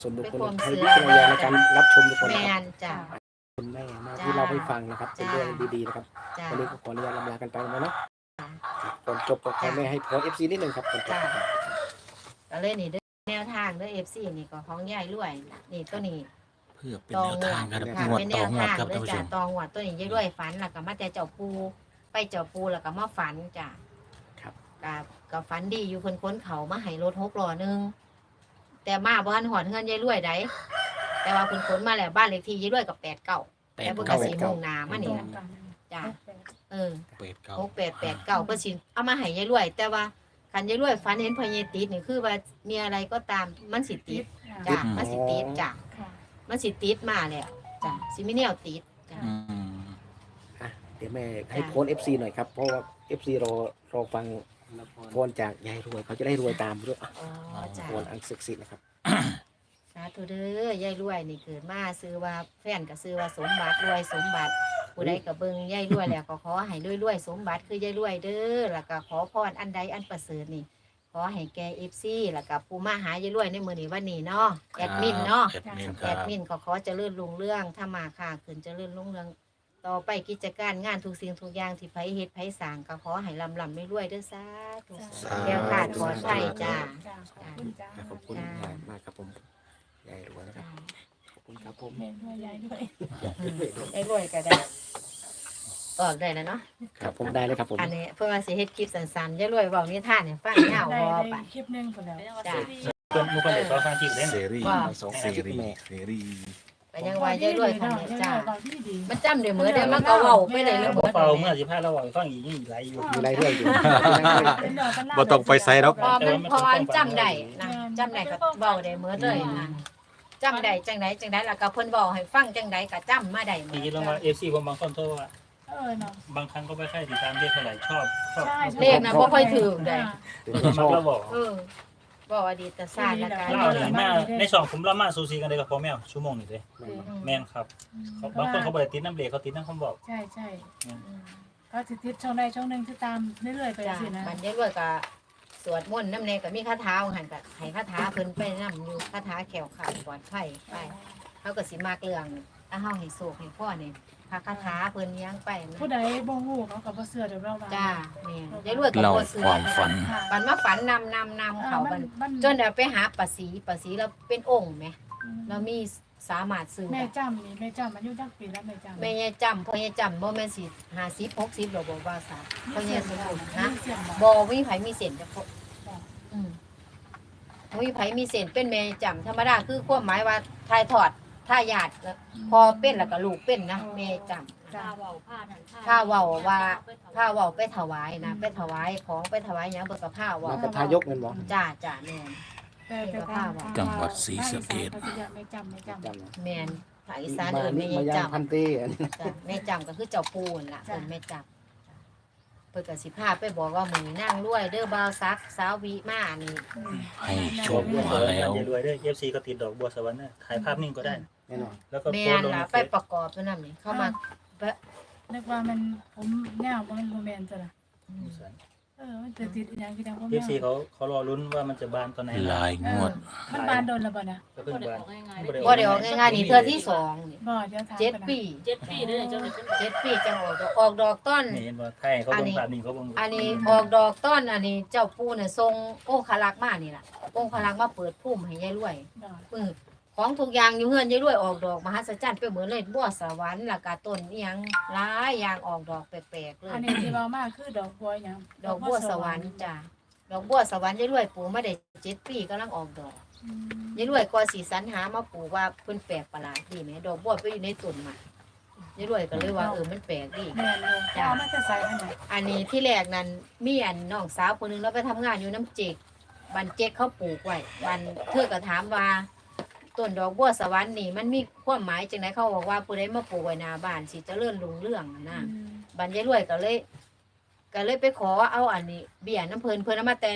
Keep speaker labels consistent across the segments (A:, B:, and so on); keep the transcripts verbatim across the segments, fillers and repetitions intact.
A: ส่วนบุค
B: เป็น
A: คล
B: ความ
A: ใช้
B: เชื่
A: วิ
B: อ
A: จารณญาณในการรับชมทุกคน
B: แม
A: นะครับ
B: นจ้ะ
A: คุณแม่มา
B: จ้า
A: ที่เราให้ฟังนะครับเป็น
B: จ้า
A: เรื่องดีๆนะครับ
B: จ้า
A: วันนี้ก็ขออนุญาตลำลากันไปนะเนาะก่อนจบก็ขอ
B: จ้า
A: แม่ให้พรเอฟซีนิดหนึ่งครับก่อนจบ
B: จ้าก็เลยนี่เด้อแนวทางเด้อ เอฟ ซี นี่ก็ของยายรวยนี่ตัวนี้
C: เพื่อเป็น
B: ตอ
C: แน
B: ง
C: ว
B: ว
C: ทาง
B: ด
C: ครับ
B: ค่ะ
C: งวด
B: เป็นแน
C: ต่อ
B: ว
C: งวด
B: ทาง
C: ครับ
B: เด้
C: ท่า
B: อน
C: ผู้ช
B: จ้าม ตองวดตัวนี้ยายรวยฝันแล้วก็มาแต่เจ้าปูไปเจ้าปูแล้วก็มาฝันจ้ะ
A: ครับ
B: ก็ก็ฝันดีอยู่เพิ่นค้นเขามาให้รถหกล้อหนึงแต่มาบ่ทันหอดเฮือนยายรวยได้แต่ว่าเพิ่นค้นมาแล้วบ้านเลขที่ยายรวยกับแปดเก้า
C: แป
B: แต่
C: ด
B: เพิ่นก็
C: เก้า
B: สิมุ่งหน้ามานี่ล่ะจ้ะเออ
C: แปดเก้า
B: หกแปดแปดเก้าเพื่อสิเอามาให้ยายรวย แต่ว่าคันยายรวยฝันเห็นพญาติดนี่คือว่ามีอะไรก็ตามมันสิติดจ้ะมันสิติดจ้ะมันสิติดมาแล้วจ้ะสิมีแนวติดจ้ะ
C: อืม
A: อ่ะเดี๋ยวแม่ให้
B: จ้า
A: โพสเอฟซีหน่อยครับเพราะว่าเอฟซีรอรอฟังพรจากยายรวยเขาจะได้รวยตามด้วย
B: อ๋อจ้ะ
A: พรอันศักดิ์สิทธิ์นะครับ
B: สาธุเด้อยายรวยนี่เกิดมาซื้อว่าแฟนก็ซื้อว่าสมบัติรวยสมบัติผู้ใดก็เบิ่งยายรวยแล้วก็ขอให้รวยๆสมบัติคือยายรวยเด้อแล้วก็ขอพรอันใดอันประเสริฐนี่ขอให้แก เอฟ ซี แล้วก็ผู้มาหายายรวยในมื้อนี้วันนี้เนาะแอดมินเนาะ
C: แอดมินค
B: แอ
C: รับ
B: ดมินก็ขอเจริญรุ่งเรื่องถ้ามาค่ะขึ้นเจริญรุ่งเรื่องต่อไปกิจการงานทุกสิ่งทุกอย่างที่ไผเฮ็ดไผสร้างก็ขอให้ลำลำไม่รวยเด้อสาธุ
C: สาธุ
B: แก้วขาดปลอดภัยจ้า
A: ขอบคุณ
B: จ้า
A: มากครับผมยายรวยนะครับขอบคุณครับผม
D: แม่ด้วยยายด้วย
B: ไอ้รวยก็ได้ออกได้แล้วเนาะ
A: ครับผมได้เลยครับผม
B: อันนี้เพื่อมาสิเฮ็ดคลิปสั้นๆยายรวยเว้านิทานให้ฟังยาว
D: ได้
B: พอ
D: ได้
B: ไป
D: คลิปหนึงคนแล้ว
B: จ้า
E: เพิ่นมุกคนเด็กก็ฟังคลิปเล่น
C: เสรี
B: ว่า
A: สอง
C: เส
A: คลิป
C: รี
A: แม่
C: เสรี
B: ไปยังว่ายายรวยคันนี้จ้า
D: ตอนที่ดี
B: มันจำได้เหมือนได้มันก็เว้าไปเลยแล้ว
E: บ่
B: เบิด
E: เป่าเมื่อสิพาเราบอกฟังอีกยังอีกหลายอยู่
A: มีรายเรื่องอยู่
D: เป็นดอกกันล่า
C: บ่ต้องไปไซด์หรอก
B: พอมันพอมันจำได้นะจำได้ก็เว้าได้เหมือนเลยนะจำได้จังไดจังไดแล้วก็เพิ่นเว้าให้ฟังจังไดก็จำมาได้หม
E: ที
B: ด
E: นี้ลองมา เอฟ ซี ผมบางคนโทรว่า
D: เออเนาะ
E: บางครั้งก็ไม่ค่อยติดตามเรียกเท่าไหร่ชอบชอบ
B: เลขนะบ่ค่อยถูกได้
E: ชอบเราบอก
B: เออบอกอดีตศาสตร์ละกัน
E: เล่าหนีมาในสองผมเล่ามาซูซีกันเลยกับพ่อแม่ชั่วโมงนี่เลยแม่นครับเขาบางคนเขาบ่ได้ติดน้ำเบรกเขาติดน้ำคำบอก
D: ใช่ใช่ก็ติดติดช่องใดช่องหนึ่งที่ตามเรื่อยๆไป
B: จ้ะ
D: สินะ
B: มันเยอะด้วยก็สวดมนต์น้ำเนก็มีคาถาหันก็ให้คาถาเพิ่นไปนำอยู่คาถาแขวขาดปลอดภัยไปเฮาก็สิมากเรื่องถ้าเฮาให้โศกให้พ่อนี่พระคาถาเพิ่นยังไปนะ
D: ผู้ใดบ่ฮู้เขาก็บ่เชื่อเดี๋ยวเราว่า
B: จ้าแม่ยายรวยก็
C: เรา
B: บ่เชื่อ
C: ความฝัน
B: ปันมาฝันนำนำนำเขาบันจนเอาไปหาปะสีปะสีแล้วเป็นองค์แหมแล้วมีสามารถซื้อ
D: แม่
B: ได้
D: จำนี่แม่จำอายุจักปีแล้วแม่จำ
B: แม่ยายจำพ่อยายจำบ่แม่นสิห้าสิบหกสิบหรอกบ่ว่าซะพ่อยายสมบูรณ์นะ
D: เสียงบ่
B: บ่มีไผมีเส้นจะพบอืมบ่มีไผมีเส้นเป็นแม่จำธรรมดาคือความหมายว่าทายทอดทายาทแล้วพอเป็นแล้วก็ลูกเป็นนะแม่จำ
D: จ้า
B: ถ้าเว้าว่าถ้าเว้าไปถวายนะไปถวายของไปถวายหยังเบิกกับผ้าเว้า
A: มากับทายกเงินบ่
B: จ้าจ้าแม่น
D: แต่แต่ทาง
C: จังหวัดศรีสะเกษ
D: แม่จำแม่จำ
A: จำนะ
B: แม่นภาคอีสาน
A: มา
B: เอิ้น
A: นี่
B: แม่
A: มาย
B: าย
A: ยังพัน
B: จำ
A: เต้อันนี้
B: จ้ะแม่จำก็คือเจ้าปูนล่ะเอิ้นแม่จำเพิ่นก็สิพาไปบอกว่ามื้อนี้นางรวยเด้อบ่าวซักสาววิมานี่
C: ให้โชคมาแล้ว
E: อย่ารวยด้วย เอฟ ซี ก็ติดดอกบัวสวรรค์นะถ่ายภาพนิ่งก็ได้
A: แน่นอน
E: แล้วก็
B: แม่
E: โพส
B: น
E: ต์ลง
B: ล่ะ
E: ในเฟ
B: ไป
E: ซ
B: ประกอบตัวนั้นนี่เข้ามา
D: นึกว่ามันผมแนวบ่มันบ่แม่นซะล่ะเออมันจะติดอีหยังคือจังบ่
E: เอ
D: แม่
E: ฟ ซี เขาเขารอลุ้นว่ามันจะบานตอนไหน
C: ลายงวด
D: มันบานโดนแล้วบ่นะ
E: ก็เพิ่งบาน
B: บ่ได้ออกง่ายๆนี่เทื่อที่สองนี่
D: บ่เดี๋ยวถาม
B: เจ็ด
D: ก่อนนะ
B: ปี
F: เจ็ดปีเลยเจ้าเลย
B: เจ็ดปีจังออกดอกออกดอกต้น
E: นี่เห็นว่าไทยเขาลงภาพนิ่งเขาลง
B: อันนี้ออกดอกต้นอันนี้เจ้าปูเนี่ยทรงองคลักษ์มานี่ล่ะองคลักษ์มาเปิดพุ่มให้ยายรวย
D: ดอก
B: เออของทุกอย่างอยู่เฮือนยายรวยออกดอกมหัศจรรย์ไปเหมือนเลยบัวสวรรค์แล้วก็ต้นอีหยังหลายอย่างออกดอกแปลกๆเลย
D: อันนี้ที่เว้ามาคือดอกบัวหยัง
B: ดอกบัวสวรรค์จ้ะดอกบัวสวรรค์ยายรวยปลูกมาได้เจ็ดปีกำลังออกดอก
D: อืม
B: ยายรวยก็สีสรรหามาปลูกว่าเพิ่นแปลกประหลาดดีไหมดอกบัวไปอยู่ในต้นมายายรวยก็เลยว่าเออมันแปลกดี
D: แม่นเลยจ้ามันจะใส่อันไหน
B: อันนี้ที่แรกนั้นมีอันน้องสาวคนหนึงแล้วไปทำงานอยู่น้ำเจกบันเจกเขาปลูกไว้บันเธอก็ถามว่าต้นดอกบัวสวรรค์นี่มันมีความหมายจังไดเขาบอกว่าผู้ใดมาปลูกไว้หน้าบ้านสิเจริญรุ่งเรืองนะ
D: อืม
B: บันยายรวยก็เลย ก็เลยไปขอเอาอันนี้เบี้ยน้ำเพลินเพลินเอามาแต่น้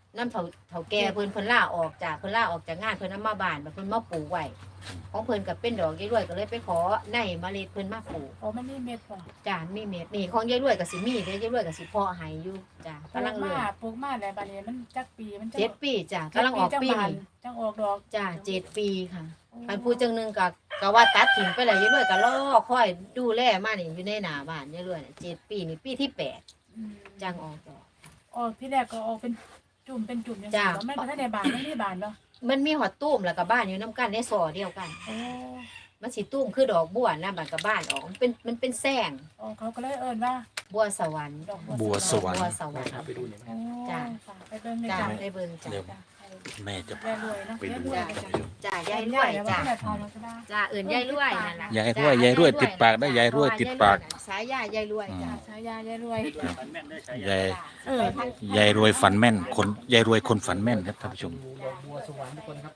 B: น้ำเถาเถาแก่เพิ่นเพิ่นล่าออกจากเพิ่นล่าออกจากงานเพิ่นเอามาบ้านเพิ่นมาปลูกไว้ของเพิ่นก็เป็นดอกยายรวยก็เลยไปขอในเมล็ดเพิ่นมาปลูก
D: อ๋อมันมีเม็ดบ่
B: จ้ามีเม็ดนี่ของยายรวยก็สิมีเด้ยายรวยก็สิเพาะให้อยู่จ้า
D: ปลู
B: กำลั
D: ก
B: ง
D: มา
B: เริ่ม
D: ปลูกมาแล้วบัดนี้มันจักปีมันจั
B: เจ็ดปีจ้ากำลังออกปี
D: จับาน
B: นี่
D: จังออกดอก
B: จ้าเจ็ดปีค่ะคันผู้จังหนึงก็ก็ว่าตัดทิ้งไปแล้วยายรวยก็รอคอยดูแลมานี่อยู่ในหน้าบ้านยายรวยน่ะเจ็ดปีนี่ปีที่แปด
D: อืม
B: จังออกดอก
D: ออกที่แรกก็ออกเป็นจุ่มเป็นจุ่มจัง
B: จ้ะ
D: ซี่บ่มันบ่ทันได้บานมันมีบานบ่
B: มันมีหอดตุ้มแล้วก็บ้านอยู่น้ำกันในซอเดียวกัน
D: โอ้
B: มันสิตุ้มคือดอกบัวนะบ้านกับบ้านออกมันเป็นมันเป็นแซง
D: อ๋อเขาก็เลยเอิ้นว่า
B: บัวสวรรค์
D: ดอก
C: บัวสวรรค์
B: บัวสวรรค์
A: ไปดูหน่อยไหม
D: โอ้
B: จ้ะ
D: ค่ะไปเบิ่งใน
B: จ้า
D: จ้ะ
B: ได้เบิ่งจ้า
C: เดี๋ยว
D: จ้ะ
C: แม่จะ
D: แม่รวยเนาะ
C: ไปดู
D: แม่รวย
C: ท่าน
D: จ้ะ
C: ผู้ชม
B: จ้ายายรวยจ้า
D: แม่ทองมาก็ได้
B: จ้าเอื่นยายรวยนั่นล่ะ
C: ยายรวยยายรวยติดปากได้ยายรวยติดปาก
B: สายยายายรวยจ้า
D: ฉายายายรวย
E: ฝันแม่นได้ใช้
C: ยาย
D: เออ
C: ยายรวยฝันแม่นคนยายรวยคนฝันแม่นครับท่านผู้ชม
A: ดูดอกบัวสวรรค์ทุกคนครับ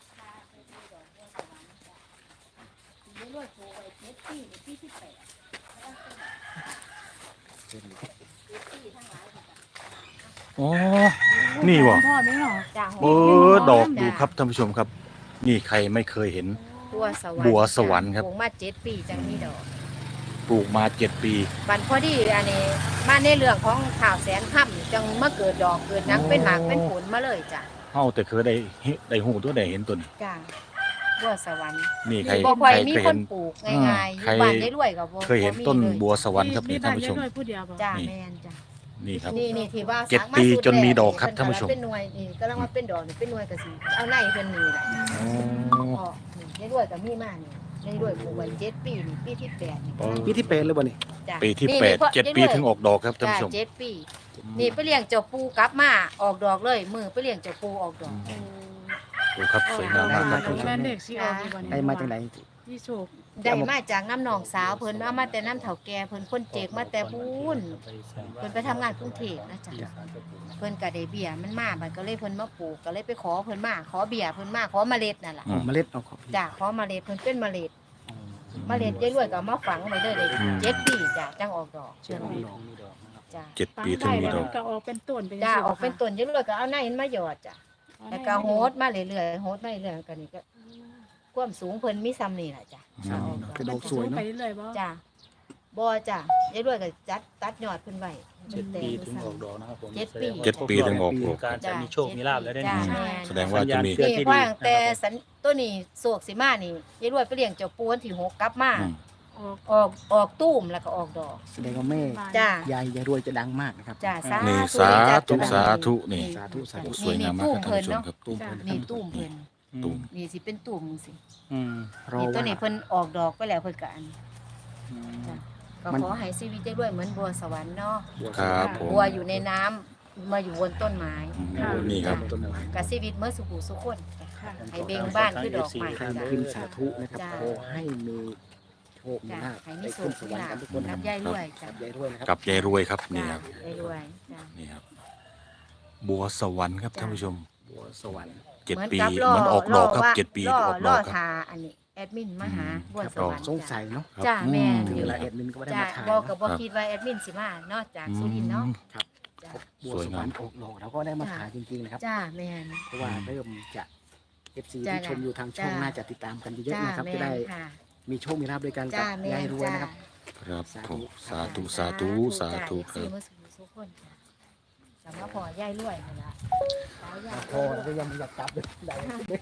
C: โอ้นี่วะ
D: พ่อไม่หรอ
B: จ้า
C: เออดอกดูครับท่านผู้ชมครับ นี่ใครไม่เคยเห็น
B: บัวสวรรค์
C: บัวสวรรค์ครับ
B: ปลูกมาเจ็ดปีจังมีดอก
C: ปลูกมาเจ็ดปี
B: บันพอดีอันนี้บ้านในเรื่องของข่าวแสนค่ำจังมาเกิดดอกเกิดหนังเป็นหมากเป็นผลมาเลยจ้ะ
C: เฮาแต่เคยได้เห็นได้หูตัวได้เห็นตัวนี้
B: จ้าบัวสวรรค์
C: นี่ใคร
B: บ่ค่อย
C: ใคร
B: มี
C: เคย
B: ค
C: เห็
B: น
C: น
B: ปลูกง่ายๆอ
C: ใคร
B: ยู่บ้านได้รวยกับบ่
C: เคยเห็นต้นบัวสวรรค์ครับนี่ท่านผู้ชม
D: ยายรวยผู้เดียวบ่
B: จ้า
C: นี่
B: แม่นจ้ะ
C: นี่ครับ
B: นี่นี่ที่ว่า
C: เจ็ด
B: สักา
C: ปี
B: สุ
C: จนมี
B: แร
C: ดอกครับท่านผู้ชม
B: เป็นหน่วยนี่กำลังว่าเป็นดอกนี่เป็นหน่วยก็สิเอาในเพิ่นนี่แหละ
C: โอ้
B: ออกนี่ได้รวยก็มีมานี่ได้รวยปลูกไว้เจ็ดปีนี่ปีที่แปดนี่
A: ปีที่แปดเลยบ่นี่
B: จ้ะ
C: ปีที่
B: นี่
C: แปด
B: นี่
C: เจ็ด
B: พราะ
C: ปีถึงออกดอกครับท่าน
B: จ้ะ
C: ผู้ชม
B: เจ็ดปี นี่ไปเลี้ยงเจ้าปูกลับมาออกดอกเลยมือไปเลี้ยงเจ้าปูออกดอก
C: ดูครับสวยงามมากครับท่านผู้ช
D: แม่
C: ม
D: เด็กสิออกดีกว่า
A: ได้มาจากไหน
D: ที่โชค
B: ได้มาจากน้ำหนองสาวเพิ่นเอามาแต่น้ำเถาแก่เพิ่นคนเจกมาแต่บุญเพิ่นไปทำงานกรุงเทพนะจ๊ะเพิ่นก็ได้เบี้ยมันมาบัดก็เลยเพิ่นมาปลูกก็เลยไปขอเพิ่นมาขอเบี้ยเพิ่นมาขอเมล็ดนั่นล่ะ
C: อืม
A: เมล็ดเอาของ
B: จ้ะขอเมล็ดเพิ่นเป็นเมล็ดเมล็ดยายรวยก็เอามาฝังไว้เลยได้
C: อืม
B: เจ็ดปีจ้ะจังออกดอก
A: เชื่อมดอก
B: จ้ะ
C: เจ็ดปีถึงมีดอก
D: ก็ออกเป็นต้นเป็น
B: จ้ะออกเป็นต้นยายรวยก็เอาในนั้นมาหยอดจ้ะแล้วก็โฮดมาเรื่อยๆโฮดมาเรื่อยๆก็นี่ก็ความสูงเพิ่นมีซ้ำนี่แหละจ้ะ
C: อืม
A: คือดอกสวย
D: ไป
A: เนาะ
D: เรื่อยๆบ่
B: จ้ะบ่จ้ะยายรวยก็จัดตัดยอดเพิ่นไว้
E: เจ็ดปีถึงออกดอกนะครับผม
B: เจ็ดปี
C: เจ็ดปีถึงออกดอก
E: การจะมีโชคมีลาภแล้วได้
B: จ้ะ
E: นี่
B: แม่น
C: แสดงว่าจะมี
E: เพื่อ
B: นี่
E: ที่
B: เพราะ
E: ดี
B: ตั้งแต่สันตัวนี้โศกสิมานี่ยายรวยไปเลี้ยงเจ้าปูวันที่หกกลับมา
C: อืม
D: ออก
B: ออกออกตุ้มแล้วก็ออกดอก
A: แสดงว่าแม่
B: จ้ะ
A: ยายยายรวยจะดังมากนะครับ
B: จ้ะสา
C: นี่
B: ธุ
C: สา
B: จ้ะ
C: ธุสาธุนี่
A: สาธุสาธุ
C: สวยงามมากครับท่านผู้ชมครับ
A: ตุ้มเพิ่น
B: นี่ตุ้มเพิ่น
C: ตุ่ม
B: นี่สิเป็นตุ้มสิ
E: อืม
A: รอ
B: นี่ตัว
A: ว่า
B: นี้เพิ่นออกดอกไปแล้วเพิ่นก็อัน
E: อืม
B: ก็
A: มัน
B: ขอให้ชีวิตได้ด้วยเหมือนบัวสวรรค์เนาะ
C: ครับผม
B: บัวอยู่ในน้ำมาอยู่บนต้นไม้
C: อืมนี่ครับ
A: ต้นไม้
B: กับชีวิตเมื่อสุขุสุขคน
D: ค่ะ
B: ให้เบ่งบ้านคือดอกไม้
A: ใคร
B: จ้ะ
A: พิมพ์สาธุนะครับ
B: จ้ะ
A: ขอให้มีโชคมี
B: จ้ะ
A: ลาภ
B: ให้มี
A: ได้
B: โช
A: ขึ้
B: คน
A: ส
B: มี
A: วรรค์
B: ลา
A: กัน
B: ภ
A: ทุกคน
B: นั
A: นะ
B: บยายรวยจ้ะ
A: กับยายรวยนะครับ
C: กับยายรวยครับนี่
B: จ้ะ
C: ครับ
B: ยายรวยจ้ะ
C: นี่ครับบัวสวรรค์ครับท่านผู้ชม
A: บัวสวรรค์
C: เจ็ด
B: เหมือน
C: ปี
B: กับ
C: เห
B: ล่อ
C: มันออกดอกครับ
B: ล่ว่า
C: เจ็ดปี
B: ล่อ
C: ออกด
B: ล่
C: อ
B: อก
C: ครับ
B: ทาอันนี้แอดมินมาหา
C: อืม
B: บัว
C: ครับ
B: สวรรค์
A: สงสัยเนาะ
C: ครับ
B: จ้ะแม่
C: อื
A: ถึง
B: น
A: เวลาเอ็ดมินก็ไม่ได้
B: จ้ะ
A: มาถ่าย
B: บอก
A: เนาะ
B: กับบ่คิดว่าแอดมินสิมานอกจากสุรินทร์เนาะ
A: ครับ
B: จ้ะ
A: บัวสวรรค์ออกดอกเราก็ได้มาถ่ายจริงๆนะครับ
B: จ้าแม่น
A: เพราะว่าเริ่มจะเอฟซี
B: จ้ะ
A: ที่ชมอยู่ทางช่อง
B: จ้ะ
A: น่าจะติดตามกันเยอะ
B: จ้า
A: ๆนะครับ
B: แม่
A: จะได้
B: นค่ะ
A: มีโชคมีลาภด้วยกันกับ
B: จ้าแม่
A: ยาย
B: น
A: รวย
B: จ้า
A: นะครับ
C: ครับผมสาธุสาธุสาธุค
B: จ้า
C: รับ
B: เอฟซีเมื่อสุขสุขคนจ้ะสำหรับพ่อยายรวยนั่นล่ะสายยาย
A: พอแล้วก็ยังไม่อยากกลับเลยได้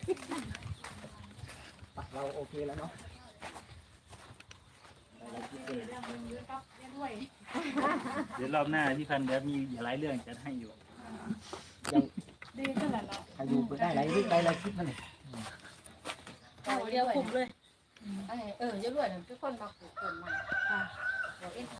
A: ปักเราโอเคแล้วเนาะ
E: เดี๋ยวรอบหน้าพี่พันธุ์เดี๋ยวมีหลายเรื่องจะให้อยู่
A: ยัง
D: ดีขนาดเนาะ
A: ใครดูไปได้หลายเรื่องได้หลายคลิปนั่นเอง
B: เอาเดียวคุมเลยเออเยอะรวยนั่นคือคนมาปลูกคนมา
D: ค่ะ
B: บอกเอ็น